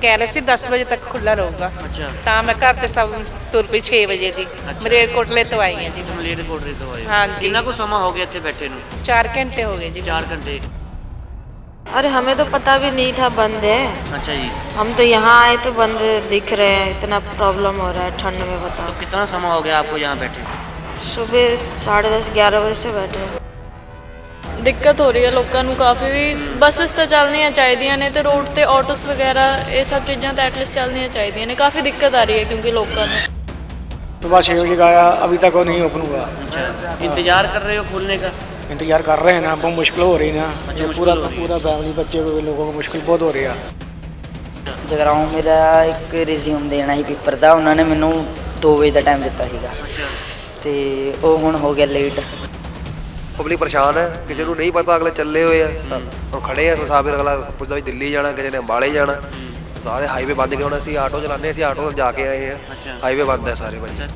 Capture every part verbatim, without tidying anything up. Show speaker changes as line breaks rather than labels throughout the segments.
ਕਹਿ ਰਹੇ ਸੀ ਦਸ ਵਜੇ ਤੱਕ ਖੁੱਲਾ ਰਹੂਗਾ।
ਅੱਛਾ
ਤਾਂ ਮੈਂ ਘਰ ਤੇ ਸਭ ਤੁਰ ਪਈ ਛੇ ਵਜੇ ਦੀ। ਮਲੇਰਕੋਟਲੇ ਤੋਂ ਆਈ ਹਾਂ ਜੀ।
ਮਲੇਰਕੋਟਲੇ ਤੋਂ ਆਏ ਹੋ।
ਹਾਂਜੀ।
ਕਿੰਨਾ ਕੁ ਸਮਾਂ ਹੋ ਗਿਆ ਇੱਥੇ ਬੈਠੇ ਨੂੰ?
चार घंटे हो गए जी।
चार घंटे।
अरे हमें तो पता भी नहीं था बंद है।
अच्छा जी।
हम तो यहाँ आए तो बंद दिख रहे हैं, इतना प्रॉब्लम हो रहा है ठंड में। बताओ
तो कितना समय हो गया आपको यहाँ बैठे?
सुबह साढ़े दस ग्यारह बजे से बैठे हैं।
ਦਿੱਕਤ ਹੋ ਰਹੀ ਹੈ ਲੋਕਾਂ ਨੂੰ ਕਾਫੀ ਵੀ। ਬੱਸਸ ਤਾਂ ਚੱਲਣੀਆਂ ਚਾਹੀਦੀਆਂ ਨੇ ਤੇ ਰੋਡ ਤੇ ਆਟੋਸ ਵਗੈਰਾ ਇਹ ਸਭ ਚੀਜ਼ਾਂ ਤਾਂ ਐਟਲੀਸਟ ਚੱਲਣੀਆਂ ਚਾਹੀਦੀਆਂ ਨੇ। ਕਾਫੀ ਦਿੱਕਤ ਆ ਰਹੀ ਹੈ ਕਿਉਂਕਿ ਲੋਕਾਂ ਨੂੰ।
सुबह छः बजे का आया, अभी तक वो नहीं ओपन हुआ।
अच्छा, इंतजार कर रहे हो खोलने का?
इंतजार कर रहे हैं ना, बहुत मुश्किल हो रही ना।
अच्छा, मुश्किल
पूरा
हो रही है।
पूरा फैमिली बच्चे को लोगों को मुश्किल बहुत हो रही है।
ਜਗਰਾਉਂ ਮੇਰਾ ਇੱਕ ਰਿਜ਼ਿਊਮ ਦੇਣਾ ਸੀ ਪੇਪਰ ਦਾ, ਉਹਨਾਂ ਨੇ ਮੈਨੂੰ ਦੋ ਵਜੇ ਦਾ ਟਾਈਮ ਦਿੱਤਾ ਸੀਗਾ ਤੇ ਉਹ ਹੁਣ ਹੋ ਗਿਆ ਲੇਟ।
ਪਬਲਿਕ ਪਰੇਸ਼ਾਨ ਹੈ, ਕਿਸੇ ਨੂੰ ਨਹੀਂ ਪਤਾ, ਅਗਲੇ ਚੱਲੇ ਹੋਏ ਆ ਹੁਣ ਖੜੇ ਆ ਮੁਸਾਫਿਰ। ਅਗਲਾ ਪੁੱਛਦਾ ਵੀ ਦਿੱਲੀ ਜਾਣਾ, ਕਿਸੇ ਨੇ ਅੰਬਾਲੇ ਜਾਣਾ। ਸਾਰੇ ਹਾਈਵੇ ਬੰਦ ਕੇ ਹੁਣ ਅਸੀਂ ਆਟੋ ਚਲਾਉਂਦੇ, ਅਸੀਂ ਆਟੋ ਜਾ ਕੇ ਆਏ ਆ। ਹਾਈਵੇ ਬੰਦ ਹੈ ਸਾਰੇ ਭਾਈ।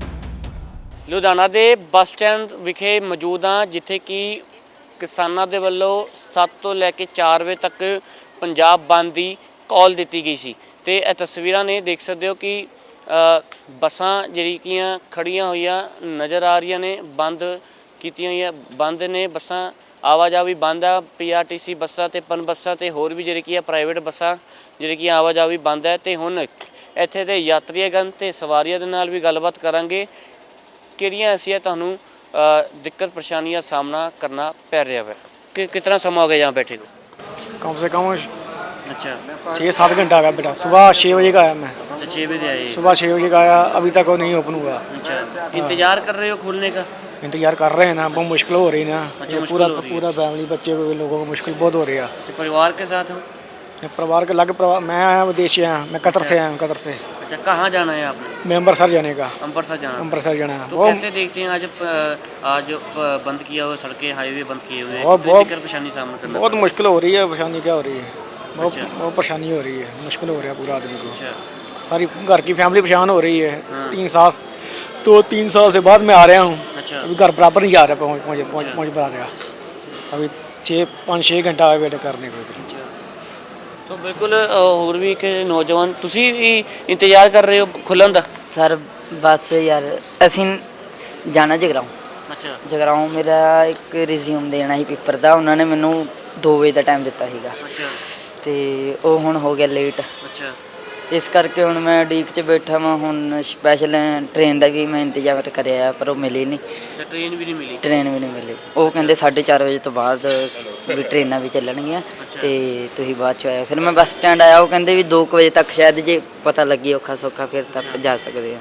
ਲੁਧਿਆਣਾ ਦੇ ਬੱਸ ਸਟੈਂਡ ਵਿਖੇ ਮੌਜੂਦ ਹਾਂ, ਜਿੱਥੇ ਕਿ ਕਿਸਾਨਾਂ ਦੇ ਵੱਲੋਂ ਸੱਤ ਤੋਂ ਲੈ ਕੇ ਚਾਰ ਵਜੇ ਤੱਕ ਪੰਜਾਬ ਬੰਦ ਦੀ ਕਾਲ ਦਿੱਤੀ ਗਈ ਸੀ। ਤੇ ਇਹ ਤਸਵੀਰਾਂ ਨੇ ਦੇਖ ਸਕਦੇ ਹੋ ਕਿ ਬੱਸਾਂ ਜਿਹੜੀਆਂ ਖੜੀਆਂ ਹੋਈਆਂ ਨਜ਼ਰ ਆ ਰਹੀਆਂ ਨੇ, ਬੰਦ ਕੀਤੀਆਂ ਹੋਈਆਂ ਬੰਦ ਨੇ ਬੱਸਾਂ। ਆਵਾਜਾਈ ਬੰਦ ਆ। ਪੀ ਆਰ ਟੀ ਸੀ ਬੱਸਾਂ ਤੇ ਪਨ ਬੱਸਾਂ ਤੇ ਹੋਰ ਵੀ ਜਿਹੜੀ ਕੀ ਆ ਪ੍ਰਾਈਵੇਟ ਬੱਸਾਂ ਜਿਹੜੀ ਕਿ ਆਵਾਜਾਈ ਬੰਦ ਹੈ। ਤੇ ਹੁਣ ਇੱਥੇ ਦੇ ਯਾਤਰੀਗਣ ਤੇ ਸਵਾਰੀਆਂ ਦੇ ਨਾਲ ਵੀ ਗੱਲਬਾਤ ਕਰਾਂਗੇ, ਕਿਹੜੀਆਂ ਐਸੀਆਂ ਤੁਹਾਨੂੰ ਦਿੱਕਤ ਪਰੇਸ਼ਾਨੀਆਂ ਦਾ ਸਾਹਮਣਾ ਕਰਨਾ ਪੈ ਰਿਹਾ ਹੈ। कि कितना समय हो गया यहाँ बैठे को?
कम से कम
अच्छा
छः सात घंटा का बेटा। सुबह छः बजे का आया मैं।
अच्छा छः बजे आए?
सुबह छः बजे का आया, अभी तक वो नहीं ओपन हुआ।
अच्छा, इंतजार कर रहे हो खोलने का?
इंतजार कर रहे हैं ना, बहुत मुश्किल हो रही ना।
अच्छा,
पूरा
हो रही
पूरा फैमिली बच्चे को लोगों को मुश्किल बहुत हो रही है।
तो परिवार के साथ हो?
परिवार के अलग परिवार, मैं आया विदेश से आया, मैं कतर से आया हूँ। कतर से।
अच्छा, कहाँ जाना है आपने?
मैं अम्बरसर जाने का।
अम्बरसर जाना?
अम्बरसर जाना है।
तो कैसे देखते हैं आज आज बंद किया हुआ, सड़कें हाईवे बंद किए हुए,
बहुत
दिक्कत परेशानी सामना करना?
बहुत मुश्किल हो रही है। परेशानी क्या हो रही है? बहुत बहुत परेशानी हो रही है, मुश्किल हो रहा है पूरा आदमी को।
अच्छा,
सारी घर की फैमिली परेशान हो रही है।
हाँ।
तीन साल तो तीन साल से बाद मैं आ रहा हूँ।
अच्छा,
अभी घर बराबर नहीं जा रहा, पहुँच पहुँच पहुँच पहुँच पा रहा। अभी छः पाँच छः घंटा आए वेट करने को इधर।
तो बिल्कुल ਹੋਰ ਵੀ ਇੱਕ ਨੌਜਵਾਨ ਤੁਸੀਂ ਵੀ ਇੰਤਜ਼ਾਰ ਕਰ ਰਹੇ ਹੋ ਖੁੱਲਣ ਦਾ?
ਸਰ ਬਸ ਯਾਰ ਅਸੀਂ ਜਾਣਾ ਜਗਰਾਉਂ।
ਅੱਛਾ
ਜਗਰਾਉਂ ਮੇਰਾ ਇੱਕ ਰਿਜ਼ਿਊਮ ਦੇਣਾ ਸੀ ਪੇਪਰ ਦਾ, ਉਹਨਾਂ ਨੇ ਮੈਨੂੰ ਦੋ ਵਜੇ ਦਾ ਟਾਈਮ ਦਿੱਤਾ ਸੀਗਾ
ਅੱਛਾ
ਤੇ ਉਹ ਹੁਣ ਹੋ ਗਿਆ ਲੇਟ।
ਅੱਛਾ,
ਇਸ ਕਰਕੇ ਹੁਣ ਮੈਂ ਉਡੀਕ 'ਚ ਬੈਠਾ ਵਾਂ। ਹੁਣ ਸਪੈਸ਼ਲ ਟ੍ਰੇਨ ਦਾ ਵੀ ਮੈਂ ਇੰਤਜ਼ਾਰ ਕਰਿਆ ਪਰ ਉਹ ਮਿਲੀ ਨਹੀਂ।
ਤੇ ਟ੍ਰੇਨ ਵੀ ਨਹੀਂ ਮਿਲੀ?
ਟ੍ਰੇਨ ਵੀ ਨਹੀਂ ਮਿਲੀ। ਉਹ ਕਹਿੰਦੇ ਸਾਢੇ ਚਾਰ ਵਜੇ ਤੋਂ ਬਾਅਦ ਵੀ ਟ੍ਰੇਨਾਂ ਵੀ ਚੱਲਣਗੀਆਂ ਤੇ ਤੁਸੀਂ ਬਾਅਦ 'ਚ ਆਇਆ। ਫਿਰ ਮੈਂ ਬੱਸ ਸਟੈਂਡ ਆਇਆ, ਉਹ ਕਹਿੰਦੇ ਵੀ ਦੋ ਕੁ ਵਜੇ ਤੱਕ ਸ਼ਾਇਦ ਜੇ ਪਤਾ ਲੱਗੀ ਔਖਾ ਸੌਖਾ ਫਿਰ ਤੱਕ ਜਾ ਸਕਦੇ ਆ।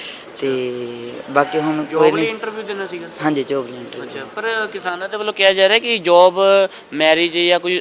ਤੇ ਬਾਕੀ ਹੁਣ ਕੋਈ ਨਹੀਂ।
ਇੰਟਰਵਿਊ ਦੇਣਾ ਸੀਗਾ?
ਹਾਂਜੀ ਜੋਬ ਲਈ ਇੰਟਰਵਿਊ।
ਅੱਛਾ, ਪਰ ਕਿਸਾਨਾਂ ਦੇ ਵੱਲੋਂ ਕਿਹਾ ਜਾ ਰਿਹਾ ਕਿ ਜੋਬ, ਮੈਰਿਜ ਜਾਂ ਕੋਈ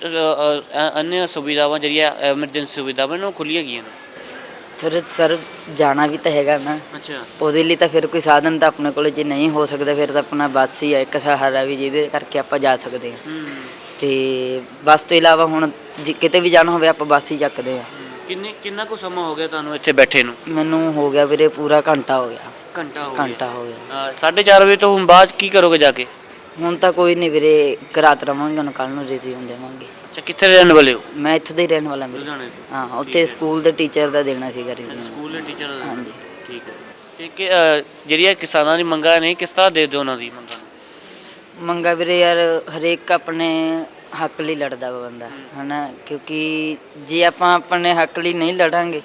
अन्य ਸੁਵਿਧਾਵਾਂ ਜਿਹੜੀਆਂ ਐਮਰਜੈਂਸੀ ਸੁਵਿਧਾਵਾਂ ਨੇ ਉਹ ਖੁੱਲੀਆਂ ਗਈਆਂ ਨੇ।
ਫਿਰ ਸਰ ਜਾਣਾ ਵੀ ਤਾਂ ਹੈਗਾ ਨਾ।
ਅੱਛਾ,
ਉਹਦੇ ਲਈ ਤਾਂ ਫਿਰ ਕੋਈ ਸਾਧਨ ਤਾਂ ਆਪਣੇ ਕੋਲ ਜੇ ਨਹੀਂ ਹੋ ਸਕਦਾ ਫਿਰ ਤਾਂ ਆਪਣਾ ਬੱਸ ਹੀ ਆ ਇੱਕ ਸਹਾਰਾ ਵੀ ਜਿਹਦੇ ਕਰਕੇ ਆਪਾਂ ਜਾ ਸਕਦੇ ਹਾਂ। ਤੇ ਬੱਸ ਤੋਂ ਇਲਾਵਾ ਹੁਣ ਜੇ ਕਿਤੇ ਵੀ ਜਾਣਾ ਹੋਵੇ ਆਪਾਂ ਬੱਸ ਹੀ ਚੱਕਦੇ ਹਾਂ।
ਕਿੰਨੇ ਕਿੰਨਾ ਕੁ ਸਮਾਂ ਹੋ ਗਿਆ ਤੁਹਾਨੂੰ ਇੱਥੇ ਬੈਠੇ ਨੂੰ?
ਮੈਨੂੰ ਹੋ ਗਿਆ ਵੀਰੇ ਪੂਰਾ ਘੰਟਾ ਹੋ ਗਿਆ।
ਘੰਟਾ ਹੋ ਗਿਆ?
ਘੰਟਾ ਹੋ ਗਿਆ।
ਸਾਢੇ ਚਾਰ ਵਜੇ ਤੋਂ ਹੁਣ ਬਾਅਦ ਕੀ ਕਰੋਗੇ ਜਾ ਕੇ?
ਹੁਣ ਤਾਂ ਕੋਈ ਨਹੀਂ ਵੀਰੇ, ਇੱਕ ਰਾਤ ਰਵਾਂਗੇ, ਹੁਣ ਕੱਲ੍ਹ ਨੂੰ ਰਿਜ਼ਿਊਮ ਦੇਵਾਂਗੇ।
ਅੱਛਾ, ਕਿੱਥੇ ਰਹਿਣ ਵਾਲੇ ਹੋ?
ਮੈਂ ਇੱਥੋਂ ਦਾ ਹੀ ਰਹਿਣ ਵਾਲਾ ਵੀਰੇ।
ਲੁਧਿਆਣੇ ਤੋਂ?
ਹਾਂ, ਉੱਥੇ ਸਕੂਲ ਦੇ ਟੀਚਰ ਦਾ ਦੇਣਾ ਸੀਗਾ ਰਿਜ਼ਿਊਮ।
ਸਕੂਲ ਦੇ ਟੀਚਰ ਦਾ?
ਹਾਂਜੀ
ਠੀਕ ਹੈ। ਤੇ ਕਿ ਜਿਹੜੀਆਂ ਕਿਸਾਨਾਂ ਦੀ ਮੰਗਾਂ ਨੇ ਕਿਸ ਤਰ੍ਹਾਂ ਦੇ ਦਿਓ ਉਹਨਾਂ ਦੀ ਮੰਗਾਂ ਨੂੰ?
ਮੰਗਾ ਵੀਰੇ ਯਾਰ ਹਰੇਕ ਆਪਣੇ ਹੱਕ ਲਈ ਲੜਦਾ ਵਾ ਬੰਦਾ ਹੈ ਨਾ, ਕਿਉਂਕਿ ਜੇ ਆਪਾਂ ਆਪਣੇ ਹੱਕ ਲਈ ਨਹੀਂ ਲੜਾਂਗੇ,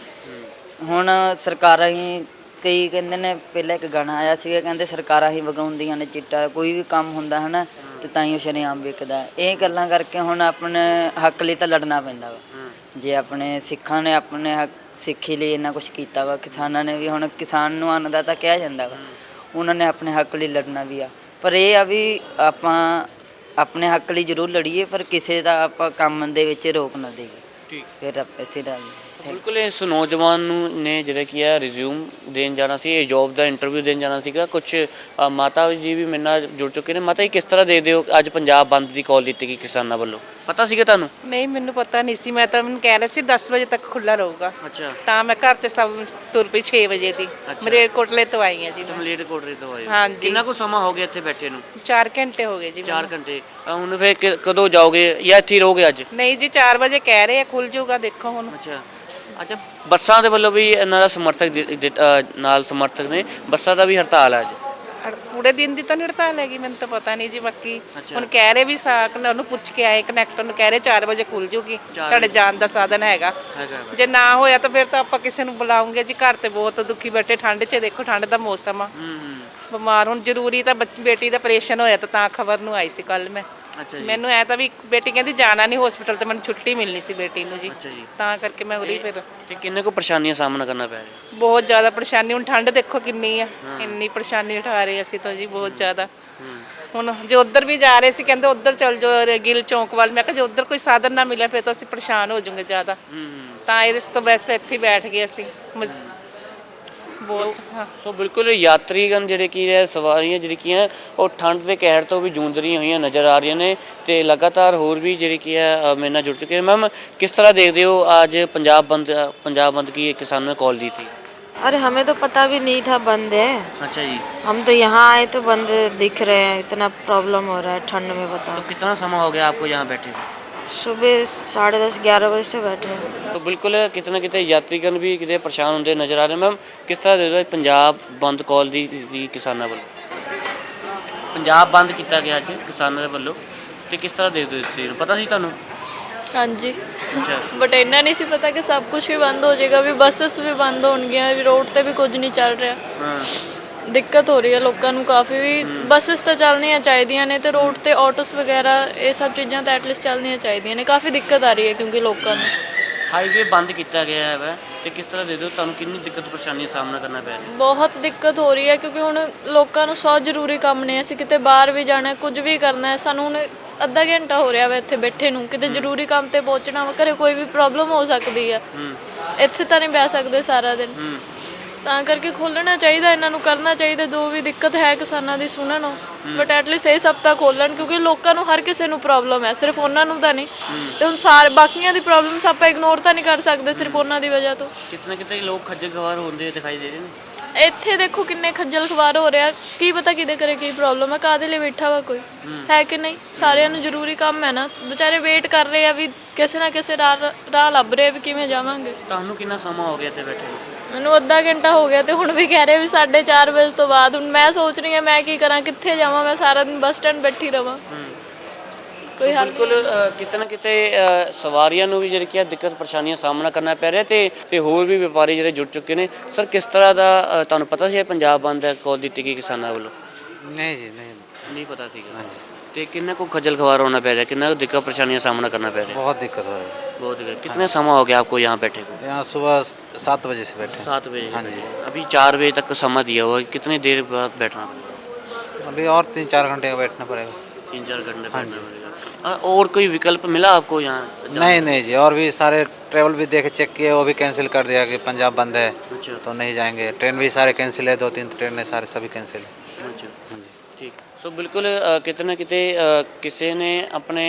ਹੁਣ ਸਰਕਾਰਾਂ ਹੀ ਕਈ ਕਹਿੰਦੇ ਨੇ, ਪਹਿਲਾਂ ਇੱਕ ਗਾਣਾ ਆਇਆ ਸੀਗਾ ਕਹਿੰਦੇ ਸਰਕਾਰਾਂ ਹੀ ਵਗਾਉਂਦੀਆਂ ਨੇ ਚਿੱਟਾ, ਕੋਈ ਵੀ ਕੰਮ ਹੁੰਦਾ ਹੈ ਨਾ ਤੇ ਤਾਂ ਹੀ ਉਹ ਸ਼ਰੇਆਮ ਵਿਕਦਾ। ਇਹ ਗੱਲਾਂ ਕਰਕੇ ਹੁਣ ਆਪਣੇ ਹੱਕ ਲਈ ਤਾਂ ਲੜਨਾ ਪੈਂਦਾ ਵਾ। ਜੇ ਆਪਣੇ ਸਿੱਖਾਂ ਨੇ ਆਪਣੇ ਹੱਕ ਸਿੱਖੀ ਲਈ ਇੰਨਾ ਕੁਛ ਕੀਤਾ ਵਾ, ਕਿਸਾਨਾਂ ਨੇ ਵੀ, ਹੁਣ ਕਿਸਾਨ ਨੂੰ ਅੰਨਦਾਤਾ ਕਿਹਾ ਜਾਂਦਾ ਵਾ, ਉਹਨਾਂ ਨੇ ਆਪਣੇ ਹੱਕ ਲਈ ਲੜਨਾ ਵੀ ਆ। ਪਰ ਇਹ ਆ ਵੀ ਆਪਾਂ ਆਪਣੇ ਹੱਕ ਲਈ ਜ਼ਰੂਰ ਲੜੀਏ ਪਰ ਕਿਸੇ ਦਾ ਆਪਾਂ ਕੰਮ ਦੇ ਵਿੱਚ ਰੋਕ ਨਾ ਦੇਈਏ, ਫਿਰ ਆਪਾਂ ਇਸੇ ਦਾ।
ਬਿਲਕੁਲ ਇਸ ਨੌਜਵਾਨ ਨੂੰ ਨੇ ਜਿਹੜਾ ਕੀ ਹੈ ਰਿਜ਼ਿਊਮ ਦੇਣ ਜਾਣਾ ਸੀ, ਇਹ ਜੋਬ ਦਾ ਇੰਟਰਵਿਊ ਦੇਣ ਜਾਣਾ ਸੀਗਾ। ਕੁਛ ਮਾਤਾ ਜੀ ਵੀ ਮੇਰੇ ਨਾਲ ਜੁੜ ਚੁੱਕੇ ਨੇ। ਮਾਤਾ ਜੀ ਕਿਸ ਤਰ੍ਹਾਂ ਦੇਖਦੇ ਹੋ ਅੱਜ ਪੰਜਾਬ ਬੰਦ ਦੀ ਕਾਲ ਦਿੱਤੀ ਗਈ ਕਿਸਾਨਾਂ ਵੱਲੋਂ? ਪਤਾ ਸੀਗਾ ਤੁਹਾਨੂੰ?
ਨਹੀਂ, ਮੈਨੂੰ ਪਤਾ ਨਹੀਂ ਸੀ। ਮੈਂ ਤਾਂ ਮੈਨੂੰ ਕਹਿ ਰਹੇ ਸੀ ਦਸ ਵਜੇ ਤੱਕ ਖੁੱਲਾ ਰਹੂਗਾ।
ਅੱਛਾ,
ਤਾਂ ਮੈਂ ਘਰ ਤੇ ਸਭ ਤੁਰ ਪਈ ਛੇ ਵਜੇ ਦੀ। ਮਲੇਰਕੋਟਲੇ ਤੋਂ ਆਈ ਹਾਂ ਜੀ।
ਮਲੇਰਕੋਟਲੇ ਤੋਂ ਆਏ?
ਹਾਂਜੀ।
ਕਿੰਨਾ ਕੁ ਸਮਾਂ ਹੋ ਗਿਆ ਇੱਥੇ ਬੈਠੇ ਨੂੰ?
ਚਾਰ ਘੰਟੇ ਹੋ ਗਏ ਜੀ।
ਚਾਰ ਘੰਟੇ। ਹੁਣ ਫਿਰ ਕਦੋਂ ਜਾਓਗੇ ਜਾਂ ਇੱਥੇ ਰਹੋਗੇ ਅੱਜ?
ਨਹੀਂ ਜੀ, ਚਾਰ ਵਜੇ ਕਹਿ ਰਹੇ ਆ ਖੁੱਲ ਜਾਊਗਾ, ਦੇਖੋ ਹੁਣ।
ਅੱਛਾ, ਅੱਛਾ, ਬੱਸਾਂ ਦੇ ਵੱਲੋਂ ਵੀ ਇਹਨਾਂ ਦਾ ਸਮਰਥਕ ਦਿ- ਦਿ- ਅ, ਨਾਲ ਸਮਰਥਕ ਨੇ, ਬੱਸਾਂ ਦਾ ਵੀ ਹੜਤਾਲ ਹੈ ਅੱਜ।
ਹੜ- ਪੂਰੇ ਦਿਨ ਦੀ ਤਾਂ ਨਹੀਂ ਹੜਤਾਲ ਹੈਗੀ, ਮੈਨੂੰ ਤਾਂ ਪਤਾ ਨਹੀਂ ਜੀ। ਬਾਕੀ
ਅੱਛਾ।
ਹੁਣ ਕਹਿ ਰਹੇ ਵੀ ਸਾਕ ਨੇ ਉਹਨੂੰ ਪੁੱਛ ਕੇ ਆਏ ਕਨੈਕਟਰ ਨੂੰ, ਕਹਿ ਰਹੇ ਚਾਰ ਵਜੇ ਖੁੱਲ ਜੂਗੀ, ਤੁਹਾਡੇ ਜਾਣ ਦਾ ਸਾਧਨ ਹੈਗਾ।
ਹੈਗਾ ਵਾ।
ਜੇ ਨਾ ਹੋਇਆ ਤਾਂ ਫਿਰ ਤਾਂ ਆਪਾਂ ਕਿਸੇ ਨੂੰ ਬੁਲਾਉਂਗੇ ਜੀ। ਘਰ ਤੇ ਬਹੁਤ ਦੁਖੀ ਬੈਠੇ, ਠੰਡ 'ਚ ਦੇਖੋ, ਠੰਡ ਦਾ ਮੌਸਮ ਆ,
ਹੂੰ ਹੂੰ
ਬਿਮਾਰ ਹੁਣ ਜ਼ਰੂਰੀ ਤਾਂ ਬੱਚ- ਬੇਟੀ ਦਾ ਆਪਰੇਸ਼ਨ ਹੋਇਆ ਤਾਂ ਤਾਂ ਖਬਰ ਨੂੰ ਆਈ ਸੀ ਕੱਲ ਮੈਂ।
ਅੱਛਾ ਜੀ।
ਮੈਨੂੰ ਐ ਤਾਂ ਵੀ ਬੇਟੀ ਕਹਿੰਦੀ ਜਾਣਾ ਨਹੀਂ ਹਸਪੀਟਲ, ਤੇ ਮੈਨੂੰ ਛੁੱਟੀ ਮਿਲਣੀ ਸੀ ਬੇਟੀ ਨੂੰ ਜੀ,
ਅੱਛਾ ਜੀ।
ਤਾਂ ਕਰਕੇ ਮੈਂ ਉਰੀ ਫਿਰ
ਤੇ ਕਿੰਨੇ ਕੋ ਪਰੇਸ਼ਾਨੀਆਂ ਸਾਹਮਣਾ ਕਰਨਾ ਪੈ ਰਿਹਾ?
ਬਹੁਤ ਜ਼ਿਆਦਾ ਪਰੇਸ਼ਾਨੀ, ਹੁਣ ਠੰਡ ਦੇਖੋ ਕਿੰਨੀ ਆ, ਇੰਨੀ ਪਰੇਸ਼ਾਨੀ ਉਠਾ ਰਹੇ ਅਸੀਂ ਤਾਂ ਜੀ ਬਹੁਤ ਜ਼ਿਆਦਾ। ਹੁਣ ਜੇ ਉੱਧਰ ਵੀ ਜਾ ਰਹੇ ਸੀ, ਕਹਿੰਦੇ ਉੱਧਰ ਚੱਲ ਜਾਓ ਗਿੱਲ ਚੌਂਕ ਵੱਲ, ਮੈਂ ਕਿਹਾ ਜੇ ਉੱਧਰ ਕੋਈ ਸਾਧਨ ਨਾ ਮਿਲਿਆ ਫਿਰ ਤਾਂ ਅਸੀਂ ਪਰੇਸ਼ਾਨ ਹੋ ਜਾਵਾਂਗੇ ਜ਼ਿਆਦਾ, ਤਾਂ ਇਹਦੇ ਤੋਂ ਬੈਸਟ ਇੱਥੇ ਹੀ ਬੈਠ ਗਏ ਅਸੀਂ ਮਜ਼- ਬਹੁਤ ਹਾਂ।
ਸੋ ਬਿਲਕੁਲ ਯਾਤਰੀਗਣ ਜਿਹੜੇ ਕੀ ਹੈ, ਸਵਾਰੀਆਂ ਜਿਹੜੀ ਕੀ ਹੈ ਉਹ ਠੰਡ ਦੇ ਕਹਿਰ ਤੋਂ ਵੀ ਜੂਝ ਰਹੀਆਂ ਹੋਈਆਂ ਨਜ਼ਰ ਆ ਰਹੀਆਂ ਨੇ, ਤੇ ਲਗਾਤਾਰ ਹੋਰ ਵੀ ਜਿਹੜੀ ਕੀ ਹੈ ਅ, ਮੇਰੇ ਨਾਲ ਜੁੜ ਚੁੱਕੇ ਨੇ। ਮੈਮ, ਕਿਸ ਤਰ੍ਹਾਂ ਦੇਖਦੇ ਹੋ ਅੱਜ ਪੰਜਾਬ ਬੰਦ ਪੰਜਾਬ ਬੰਦ की किसानों ने कॉल दी थी?
अरे हमें तो पता भी नहीं था बंद है।
अच्छा जी।
हम तो यहाँ आए तो बंद दिख रहे हैं, इतना प्रॉब्लम हो रहा है ठंड में,
तो
बताओ।
कितना समय हो गया आपको यहाँ बैठे हुए?
सुबह साढ़े दस ग्यारह बजे से बैठे हैं।
तो बिल्कुल कितने कितने यात्रीगण भी कितने परेशान होंगे नज़र आ रहे। मैम, किस तरह देखते हो पंजाब बंद कॉल दी दी किसानों ਵੱਲੋਂ? पंजाब बंद किया गया अज किसानों ਦੇ ਵੱਲੋਂ, ਤੇ ਕਿਸ ਤਰ੍ਹਾਂ ਦੇਖਦੇ ਹੋ ਇਸ ਚੀਜ਼ ਨੂੰ? ਪਤਾ ਸੀ ਤੁਹਾਨੂੰ?
ਹਾਂਜੀ,
ਅੱਛਾ।
ਬਟ ਇੰਨਾ ਨਹੀਂ ਸੀ ਪਤਾ ਕਿ ਸਭ ਕੁਝ ਵੀ ਬੰਦ ਹੋ ਜਾਏਗਾ, ਵੀ ਬੱਸਸ ਵੀ ਬੰਦ ਹੋਣਗੀਆਂ, ਵੀ ਰੋਡ ਤੇ ਵੀ ਕੁਝ ਨਹੀਂ ਚੱਲ ਰਿਹਾ।
ਹਾਂ।
ਦਿੱਕਤ ਹੋ ਰਹੀ ਹੈ ਲੋਕਾਂ ਨੂੰ ਕਾਫੀ, ਵੀ ਬੱਸਸ ਤਾਂ ਚੱਲਣੀਆਂ ਚਾਹੀਦੀਆਂ ਨੇ, ਤੇ ਰੋਡ ਤੇ ਆਟੋਸ ਵਗੈਰਾ ਇਹ ਸਭ ਚੀਜ਼ਾਂ ਤਾਂ ਐਟਲੀਸਟ ਚੱਲਣੀਆਂ ਚਾਹੀਦੀਆਂ ਨੇ। ਕਾਫੀ ਦਿੱਕਤ ਆ ਰਹੀ ਹੈ ਕਿਉਂਕਿ ਲੋਕਾਂ ਨੂੰ
ਹਾਈਵੇ ਬੰਦ ਕੀਤਾ ਗਿਆ ਹੈ ਵਾ, ਤੇ ਕਿਸ ਤਰ੍ਹਾਂ ਦੇ ਦਿਓ ਤੁਹਾਨੂੰ ਕਿੰਨੀ ਦਿੱਕਤ ਪਰੇਸ਼ਾਨੀ ਦਾ ਸਾਹਮਣਾ ਕਰਨਾ ਪੈ ਰਿਹਾ?
ਬਹੁਤ ਦਿੱਕਤ ਹੋ ਰਹੀ ਹੈ ਕਿਉਂਕਿ ਹੁਣ ਲੋਕਾਂ ਨੂੰ ਸੌ ਜ਼ਰੂਰੀ ਕੰਮ ਨੇ, ਅਸੀਂ ਕਿਤੇ ਬਾਹਰ ਵੀ ਜਾਣਾ ਹੈ, ਕੁਝ ਵੀ ਕਰਨਾ ਹੈ, ਸਾਨੂੰ ਹੁਣ ਅੱਧਾ ਘੰਟਾ ਹੋ ਰਿਹਾ ਵਾ ਇੱਥੇ ਬੈਠੇ ਨੂੰ, ਕਿਤੇ ਜ਼ਰੂਰੀ ਕੰਮ ਤੇ ਪਹੁੰਚਣਾ ਵਾ, ਘਰੇ ਕੋਈ ਵੀ ਪ੍ਰੋਬਲਮ ਹੋ ਸਕਦੀ ਹੈ, ਇੱਥੇ ਤਾਂ ਨਹੀਂ ਬਹਿ ਸਕਦੇ ਸਾਰਾ ਦਿਨ, ਤਾਂ ਕਰਕੇ ਖੋਲ੍ਹਣਾ ਚਾਹੀਦਾ, ਇਹਨਾਂ ਨੂੰ ਕਰਨਾ ਚਾਹੀਦਾ, ਜੋ ਵੀ ਦਿੱਕਤ ਹੈ ਕਿਸਾਨਾਂ ਦੀ ਸੁਣਨ ਉਹ, ਬਟ ਐਟਲੀਸਟ ਇਹ ਸপ্তাਹ ਖੋਲ੍ਹਣ, ਕਿਉਂਕਿ ਲੋਕਾਂ ਨੂੰ ਹਰ ਕਿਸੇ ਨੂੰ ਪ੍ਰੋਬਲਮ ਹੈ, ਸਿਰਫ ਉਹਨਾਂ ਨੂੰ ਤਾਂ ਨਹੀਂ। ਤੇ ਹੁਣ ਸਾਰੇ ਬਾਕੀਆਂ ਦੀ ਪ੍ਰੋਬਲਮਸ ਆਪਾਂ ਇਗਨੋਰ ਤਾਂ ਨਹੀਂ ਕਰ ਸਕਦੇ ਸਿਰਫ ਉਹਨਾਂ ਦੀ ਵਜ੍ਹਾ ਤੋਂ।
ਕਿਤਨੇ ਕਿਤੇ ਲੋਕ ਖੱਜਲ ਖਵਾਰ ਹੁੰਦੇ ਦਿਖਾਈ ਦੇ ਰਹੇ ਨੇ।
ਇੱਥੇ ਦੇਖੋ ਕਿੰਨੇ ਖੱਜਲ ਖਵਾਰ ਹੋ ਰਿਹਾ, ਕੀ ਪਤਾ ਕਿਹਦੇ ਕਰੇ ਕੀ ਪ੍ਰੋਬਲਮ ਹੈ, ਕਾਹਦੇ ਲਈ ਬੈਠਾ ਵਾ ਕੋਈ ਹੈ ਕਿ ਨਹੀਂ। ਸਾਰਿਆਂ ਨੂੰ ਜ਼ਰੂਰੀ ਕੰਮ ਹੈ ਨਾ, ਵਿਚਾਰੇ ਵੇਟ ਕਰ ਰਹੇ ਆ ਵੀ ਕਿਸੇ ਨਾ ਕਿਸੇ ਰਾਹ ਰਾਹ ਲੱਭ ਰਹੇ ਵੀ ਕਿਵੇਂ ਜਾਵਾਂਗੇ।
ਤੁਹਾਨੂੰ ਕਿੰਨਾ ਸਮਾਂ ਹੋ ਗਿਆ ਇੱਥੇ ਬੈਠੇ ਨੂੰ?
ਮੈਨੂੰ ਅੱਧਾ ਘੰਟਾ ਹੋ ਗਿਆ, ਤੇ ਹੁਣ ਵੀ ਕਹਿ ਰਹੇ ਵੀ ਸਾਢੇ ਚਾਰ ਵਜੇ ਤੋਂ ਬਾਅਦ। ਹੁਣ ਮੈਂ ਸੋਚ ਰਹੀ ਹਾਂ ਮੈਂ ਕੀ ਕਰਾਂ, ਕਿੱਥੇ ਜਾਵਾਂ, ਮੈਂ ਸਾਰਾ ਦਿਨ ਬੱਸ ਸਟੈਂਡ ਬੈਠੀ ਰਵਾਂ, ਕੋਈ ਹੱਲ
ਬਿਲਕੁਲ ਅ, ਕਿਤੇ ਨਾ ਕਿਤੇ ਅ, ਸਵਾਰੀਆਂ ਨੂੰ ਵੀ ਜਿਹੜੀ ਕੀ ਹੈ ਦਿੱਕਤ ਪਰੇਸ਼ਾਨੀਆਂ ਦਾ ਸਾਹਮਣਾ ਕਰਨਾ ਪੈ ਰਿਹਾ, ਤੇ ਤੇ ਹੋਰ ਵੀ ਵਪਾਰੀ ਜਿਹੜੇ ਜੁੜ ਚੁੱਕੇ ਨੇ। ਸਰ, ਕਿਸ ਤਰ੍ਹਾਂ ਦਾ ਅ, ਤੁਹਾਨੂੰ ਪਤਾ ਸੀ ਇਹ ਪੰਜਾਬ ਬੰਦ ਹੈ ਕਾਲ ਦਿੱਤੀ ਗਈ ਕਿਸਾਨਾਂ ਵੱਲੋਂ?
नहीं जी नहीं।
ਨਹੀਂ ਪਤਾ ਸੀਗਾ। ਤੇ ਕਿੰਨਾ ਕੁ ਖੱਜਲ ਖਵਾਰ ਹੋਣਾ ਪੈ ਰਿਹਾ, ਕਿੰਨਾ ਕੁ ਦਿੱਕਤ ਪਰੇਸ਼ਾਨੀਆਂ ਦਾ ਸਾਹਮਣਾ ਕਰਨਾ ਪੈ ਰਿਹਾ?
बहुत दिक्कत हो रही है।
बहुत दिक्कत। कितने समय हो गया आपको यहाँ बैठे को?
यहाँ सुबह सात बजे से बैठे हैं।
सात बजे।
हाँ जी।
अभी चार बजे तक का समय दिया हुआ है, कितनी देर बाद बैठना पड़ेगा?
अभी और तीन चार घंटे का बैठना पड़ेगा।
तीन चार घंटे
हाँ
बैठना पड़ेगा। हाँ, और कोई विकल्प मिला आपको यहाँ जाने
नहीं
का?
नहीं जी, और भी सारे ट्रेवल भी देखे चेक किए, वो भी कैंसिल कर दिया कि पंजाब बंद है
अच्छा।
तो नहीं जाएंगे। ट्रेन भी सारे कैंसिल है, दो तीन ट्रेनें सारे सभी कैंसिल है।
अच्छा, ठीक। सो बिल्कुल अ, किते ना किते अ, किसी ने अपने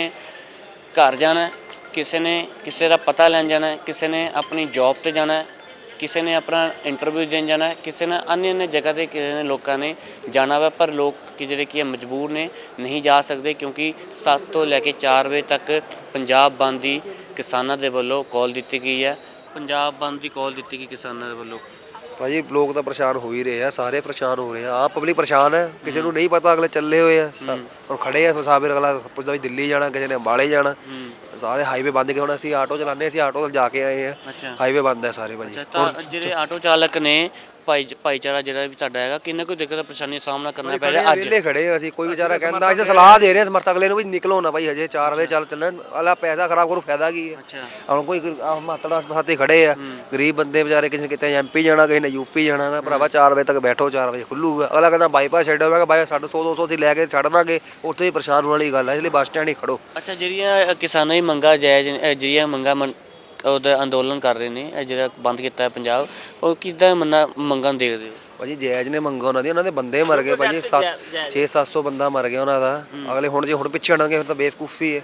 घर जाना है, किसी ने किसी का पता लैन जाना है, किसी ने अपनी जॉब ਤੇ ਜਾਣਾ ਹੈ, ਕਿਸੇ ਨੇ ਆਪਣਾ ਇੰਟਰਵਿਊ ਦੇਣ ਜਾਣਾ ਹੈ, ਕਿਸੇ ਨੇ अन्य अन्य जगह ਤੇ ਕਿਸੇ ਨੇ ਲੋਕਾਂ ਨੇ ਜਾਣਾ ਵਾ, ਪਰ ਲੋਕ ਕਿ ਜਿਹੜੇ ਕਿ ਮਜਬੂਰ ਨੇ, ਨਹੀਂ ਜਾ ਸਕਦੇ, ਕਿਉਂਕਿ ਸੱਤ ਤੋਂ ਲੈ ਕੇ ਚਾਰ ਵਜੇ ਤੱਕ ਪੰਜਾਬ ਬੰਦ ਦੀ ਕਿਸਾਨਾਂ ਦੇ ਵੱਲੋਂ ਕਾਲ ਦਿੱਤੀ ਗਈ ਹੈ। ਪੰਜਾਬ ਬੰਦ ਦੀ ਕਾਲ ਦਿੱਤੀ ਗਈ ਕਿਸਾਨਾਂ ਦੇ ਵੱਲੋਂ।
ਭਾਜੀ ਲੋਕ ਤਾਂ ਪਰੇਸ਼ਾਨ ਹੋ ਹੀ ਰਹੇ ਆ, ਸਾਰੇ ਪਰੇਸ਼ਾਨ ਹੋ ਰਹੇ ਆ, ਆਪ ਪਬਲਿਕ ਪਰੇਸ਼ਾਨ ਹੈ, ਕਿਸੇ ਨੂੰ ਨਹੀਂ ਪਤਾ, ਅਗਲੇ ਚੱਲੇ ਹੋਏ ਆ, ਹੁਣ ਖੜੇ ਆ ਮੁਸਾਫਿਰ, ਅਗਲਾ ਪੁੱਛਦਾ ਵੀ ਦਿੱਲੀ ਜਾਣਾ, ਕਿਸੇ ਨੇ ਅੰਬਾਲੇ ਜਾਣਾ, ਸਾਰੇ ਹਾਈਵੇ ਬੰਦ ਕੇ। ਹੁਣ ਅਸੀਂ ਆਟੋ ਚਲਾਉਂਦੇ, ਅਸੀਂ ਆਟੋ ਜਾ ਕੇ ਆਏ ਆ, ਹਾਈਵੇ ਬੰਦ ਹੈ ਸਾਰੇ ਭਾਜੀ।
ਤਾਂ ਜਿਹੜੇ ਆਟੋ ਚਾਲਕ ਨੇ, ਭਾਈ ਭਾਈਚਾਰਾ ਜਿਹੜਾ ਵੀ ਤੁਹਾਡਾ ਹੈਗਾ, ਕਿੰਨਾ ਕੋਈ ਦਿੱਕਤ ਪਰੇਸ਼ਾਨੀ ਦਾ ਸਾਹਮਣਾ ਕਰਨਾ ਪੈ ਰਿਹਾ ਅੱਜ?
ਵਿਹਲੇ ਖੜੇ ਆ ਅਸੀਂ, ਕੋਈ ਵਿਚਾਰਾ ਕਹਿੰਦਾ, ਅਸੀਂ ਸਲਾਹ ਦੇ ਰਹੇ ਹਾਂ ਸਮਰਥਕ ਅਗਲੇ ਨੂੰ ਵੀ ਨਿਕਲੋ ਨਾ ਭਾਈ, ਹਜੇ ਚਾਰ ਵਜੇ ਚੱਲ ਚੱਲਣਾ, ਅਲਾ ਪੈਸਾ ਖਰਾਬ ਕਰੂ, ਫਾਇਦਾ ਕੀ ਹੈ? ਹੁਣ ਕੋਈ ਮਾਤੜਾ ਹੱਥੇ ਖੜੇ ਆ, ਗਰੀਬ ਬੰਦੇ ਵਿਚਾਰੇ, ਕਿਸੇ ਨੇ ਕਿਤੇ ਐਮਪੀ ਜਾਣਾ, ਕਿਸੇ ਨੇ ਯੂਪੀ ਜਾਣਾ, ਭਰਾਵਾ ਚਾਰ ਵਜੇ ਤੱਕ ਬੈਠੋ, ਚਾਰ ਵਜੇ ਖੁੱਲੂਗਾ। ਅਗਲਾ ਕਹਿੰਦਾ ਬਾਈਪਾਸ ਛੱਡੋ, ਮੈਂ ਕਿਹਾ ਬਾਈ ਸਾਡੇ ਸੌ ਦੋ ਸੌ ਅਸੀਂ ਲੈ ਕੇ ਛੱਡ ਦਾਂਗੇ, ਉੱਥੇ ਹੀ ਪਰੇਸ਼ਾਨ ਹੋਣ ਵਾਲੀ ਗੱਲ ਹੈ, ਇਸ ਲਈ ਬੱਸ ਸਟੈਂਡ ਹੀ ਖੜੋ।
ਅੱਛਾ, ਜਿਹੜੀਆਂ ਕਿਸਾਨਾਂ ਦੀ ਮੰਗਾਂ ਜਾਇਜ਼, ਜਿਹੜੀਆਂ ਮੰਗਾਂ ਮਨ ਉਹਦਾ ਅੰਦੋਲਨ ਕਰ ਰਹੇ ਨੇ, ਇਹ ਜਿਹੜਾ ਬੰਦ ਕੀਤਾ ਹੈ ਪੰਜਾਬ, ਉਹ ਕਿੱਦਾਂ ਮੰਨਾ ਮੰਗਾਂ ਦੇਖਦੇ ਹੋ
ਭਾਜੀ? ਜਾਇਜ਼ ਨੇ ਮੰਗਾਂ ਉਹਨਾਂ ਦੀ, ਉਹਨਾਂ ਦੇ ਬੰਦੇ ਮਰ ਗਏ ਭਾਜੀ, ਸੱਤ ਛੇ ਸੱਤ ਸੌ ਬੰਦਾ ਮਰ ਗਿਆ ਉਹਨਾਂ ਦਾ। ਅਗਲੇ ਹੁਣ ਜੇ ਹੁਣ ਪਿੱਛੇ ਹਟਣਗੇ ਫਿਰ ਤਾਂ ਬੇਵਕੂਫੀ ਹੈ।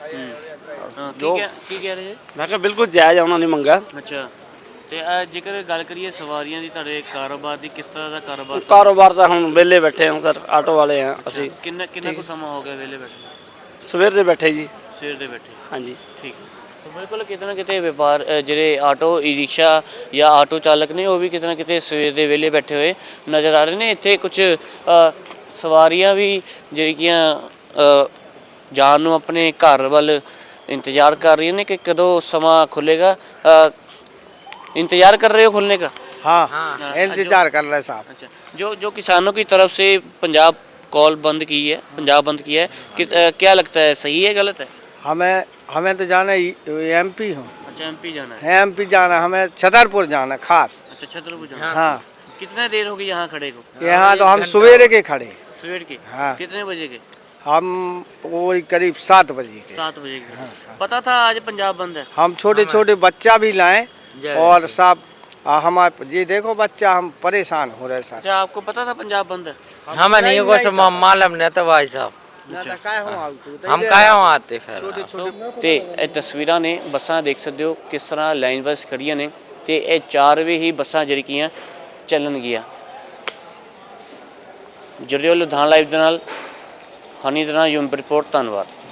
ਜੋ ਕੀ ਕਹਿ ਰਹੇ?
ਮੈਂ ਕਿਹਾ ਬਿਲਕੁਲ ਜਾਇਜ਼ ਉਹਨਾਂ ਦੀ ਮੰਗਾ।
ਅੱਛਾ, ਤੇ ਅ, ਜੇਕਰ ਗੱਲ ਕਰੀਏ ਸਵਾਰੀਆਂ ਦੀ, ਤੁਹਾਡੇ ਕਾਰੋਬਾਰ ਦੀ, ਕਿਸ ਤਰ੍ਹਾਂ ਦਾ ਕਾਰੋਬਾਰ?
ਕਾਰੋਬਾਰ ਤਾਂ ਹੁਣ ਵਿਹਲੇ ਬੈਠੇ ਹਾਂ ਸਰ, ਆਟੋ ਵਾਲੇ ਆ ਅਸੀਂ।
ਕਿੰਨਾ ਕਿੰਨਾ ਕੁ ਸਮਾਂ ਹੋ ਗਿਆ ਵਿਹਲੇ ਬੈਠੇ?
ਸਵੇਰ ਦੇ ਬੈਠੇ ਜੀ।
ਸਵੇਰ ਦੇ ਬੈਠੇ?
ਹਾਂਜੀ
ਠੀਕ। ਤਾਂ ਬਿਲਕੁਲ ਕਿਤੇ ਨਾ ਕਿਤੇ ਵਪਾਰ ਅ, ਜਿਹੜੇ ਆਟੋ ਈ ਰਿਕਸ਼ਾ ਜਾਂ ਆਟੋ ਚਾਲਕ ਨੇ ਉਹ ਵੀ ਕਿਤੇ ਨਾ ਕਿਤੇ ਸਵੇਰ ਦੇ ਵੇਲੇ ਬੈਠੇ ਹੋਏ ਨਜ਼ਰ ਆ ਰਹੇ ਨੇ। ਇੱਥੇ ਕੁਝ ਅ, ਸਵਾਰੀਆਂ ਵੀ ਜਿਹੜੀਆਂ ਅ, ਜਾਣ ਨੂੰ ਆਪਣੇ ਘਰ ਵੱਲ ਇੰਤਜ਼ਾਰ ਕਰ रही हैं कि कदों समा खुलेगा। इंतजार कर रहे हो खुलने का?
हाँ हाँ इंतजार कर रहे हैं साहब।
अच्छा, जो जो किसानों की तरफ से पंजाब कॉल बंद की है, पंजाब बंद किया है कि, अ, क्या लगता है, सही है गलत है?
हमें हमें तो जाना एम पी हूँ।
अच्छा, एमपी जाना है।
एम पी जाना, हमें छतरपुर जाना खास।
अच्छा, छतरपुर जाना।
हाँ
कितना देर होगी यहाँ खड़े को?
यहाँ तो हम सवेरे के खड़े।
सवेर के?
हाँ।
कितने बजे के?
हम वही करीब सात बजे के।
सात बजे के। पता था आज पंजाब बंद है?
हम छोटे छोटे बच्चा भी लाएं और सब हमारे ये देखो बच्चा, हम परेशान हो रहे सर।
अच्छा, आपको पता था पंजाब बंद है?
हमें नहीं कुछ मालूम नहीं था भाई साहब, हम काहे वहाँ आते फिर।
ਤੇ ਇਹ ਤਸਵੀਰਾਂ ਨੇ ਬੱਸਾਂ ਦੇਖ ਸਕਦੇ ਹੋ ਕਿਸ ਤਰ੍ਹਾਂ ਲਾਈਨ ਵਾਈਜ਼ ਖੜੀਆਂ ਨੇ ਤੇ ਇਹ ਚਾਰ ਵੇ ਹੀ ਬੱਸਾਂ ਜਿਹੜੀਆਂ ਚੱਲਣਗੀਆਂ। ਜੁੜਿਓ ਲੁਧਿਆਣਾ ਲਾਈਵ ਦੇ ਨਾਲ ਹਨੀ ਦੇ ਨਾਲ ਯੂਮ ਰਿਪੋਰਟ। ਧੰਨਵਾਦ।